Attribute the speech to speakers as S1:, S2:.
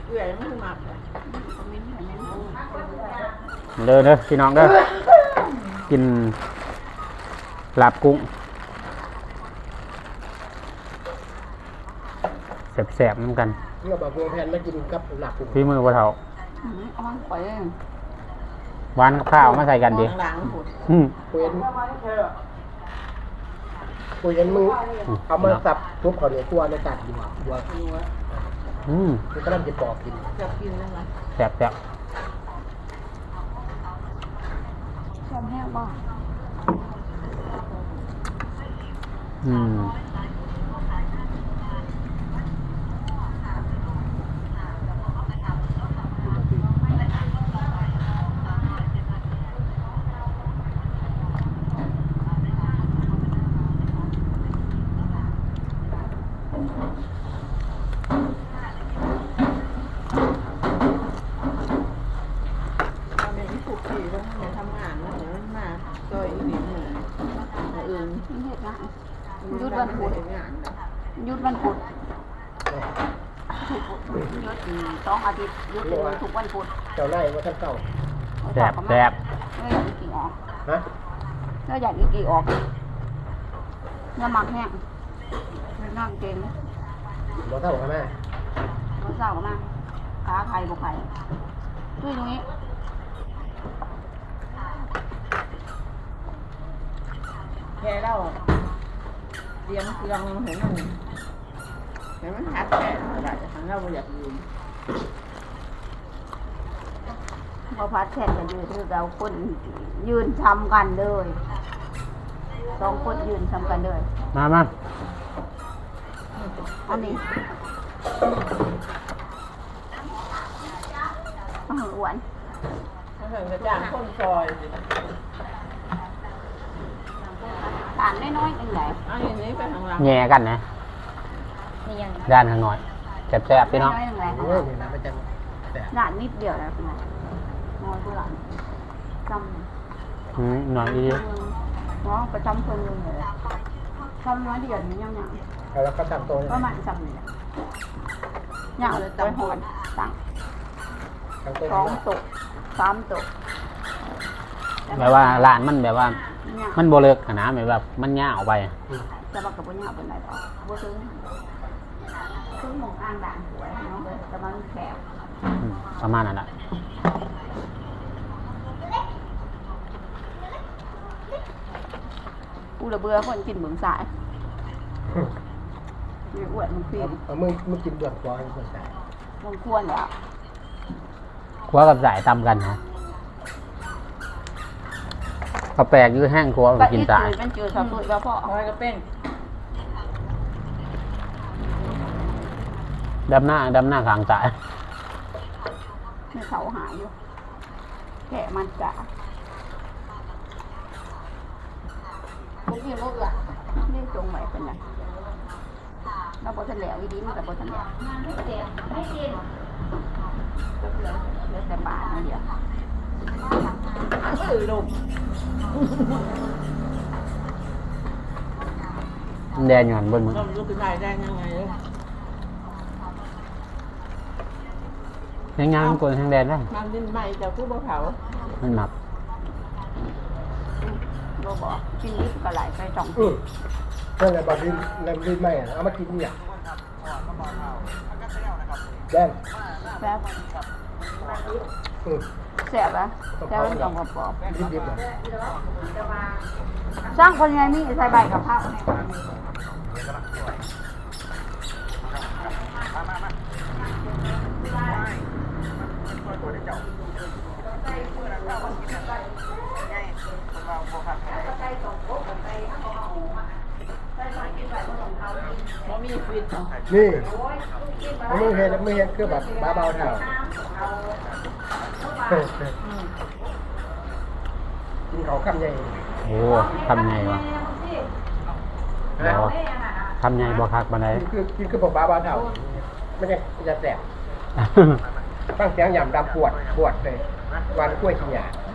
S1: เอื่อยไม่หมักเลย
S2: เด้อพี่น้องเด้อกินลาบกุ้งแสบๆน้ำกัน
S3: เมื่อบอกวงแพนมากินกับหลัก
S2: พี่มือบ่เฒ่า
S1: เอามันไป
S2: หวานกับข้าวมาใส่กันดิ
S1: หลังๆหมด
S3: คุยมือเอามาสับทุบเขาเนี่ยตัวในตัดอยู่บัว มันก็เริ่มจะปอกกิน
S1: จะกินแล้วนะ
S2: แสบ
S1: ชอบแห้งบ้าง ถูกที่แล้วเนี่ยทำงานแล้วเนี่ยมันมาซอยอีกนิดหนึ่งอื่น
S4: เฮ็ดงาน
S1: ยุดวันพุธงาน
S4: หยุดวันพุธหยุด2 อาทิตย์หยุดทุกวันพุธ
S3: เจ้าไล่มาทั้งเก่า
S2: แสบ
S4: ไม่อยากอีกกี่ออก
S3: ฮะ
S4: แล้วอยากอีกกี่ออกน้ำหมักแห้งน้ำเก่ง
S3: บ่เท่ากันแม่
S4: มื้อเช้าก็มาขาไข่บ่ไข่ด้วยตรงนี้
S1: แค่เราเตรียมเครื่องเห็นมันหักแค่เราจะทำเราอยากยืน
S4: พอพัดแทนกันยืนคือเราคนยืนทำกันเลย2 คนยืนทำกันเลย
S2: มา
S4: อันนี้อ้วน
S1: ถ้าเกิดกระจ่างข้นซอย
S4: ทานน้อยๆจังได๋
S1: เอาอย่างนี้ไปทางหลัง
S2: แย่กันนะ
S4: นี่ยัง
S2: ด้านข้างหน่อยแสบพี่น้อง
S4: น้อยๆจังได๋
S3: โอ้ยนี่นะมันจะแต่
S4: ร้านนิดเดียวแล้วคุณน้อยผู้หลานจำ
S2: หน่อยดี
S4: น้องประจำคนนึงเลยทำน้อยเดียวนี่ยัง
S3: แล้วก็ตั้งโต๊ะ
S4: ประมาณจำนี่แหละยังเลยตำหอนตั้ง
S3: ตั้งโต๊ะ
S4: 2 โต๊ะ 3 โต๊ะ
S2: แบบว่าร้านมันแบบว่า
S4: เนี่ย
S2: มันโบเลิกนะแบบมันยาวไป
S4: จะบอกกับปุญญาเป็นไรต่อบ่ซื้อหมองอ่างด่างสวยเนาะแต่มันแคบ
S2: ประมาณนั้นแหละ
S4: กูระเบื่อคนกินเบิ่งสายนี่อ้วนมันฟิน
S3: มึงกินเบือกฟอยคนใส่
S4: มันควรแล้ว
S2: ครัวกับสายตำกันฮะก็แปลกอยู่แห้งครัวไปกินสาย
S4: มันเจอสับสนแล้วพ่อ
S1: คอยก็เป็น
S2: ดำหน้าข้างสาย
S4: ให้เขาหายอยู่แกะมันจะ
S1: ผมกินหมดละ
S4: เรียกจงไว้เป็นไงเราบอทันแล้วอีดีมันกับบอทันแล้วเหลือแต่บาทนั่นเดียว
S1: ลม
S2: แดงอยู่หันบนมือ
S1: ลมรู้สึกได้ได้ยังไงเลย
S2: ยังงานกวนทางแดนได้
S1: มันดินใหม่จะคู่บ่เผา
S2: มันหมัก
S4: เราบอกกินนิดก็ไหลไป2
S3: นั่นแหละบาดินน้ำดินไม่เอามากินเนี่ยแดง
S4: แป๊บแสบอ่ะแสบมันต้องกระป๋อบ
S3: ดิบๆเลย
S4: สร้างคนไงมีใส่ใบกับข้าว
S1: เพราะมีฟิต
S3: นี่มึงเห็นคือแบบบ้าเบาเท่ากินเขาคำใหญ่
S2: โอ้ทำไงวะบอทำไงบอคักบันได
S3: คือบอกบ้าเบาเท่าไม่ใช่จะแสบตั้งเสียงหย่ำดำปวดเลยวันกล้วยขี้หยา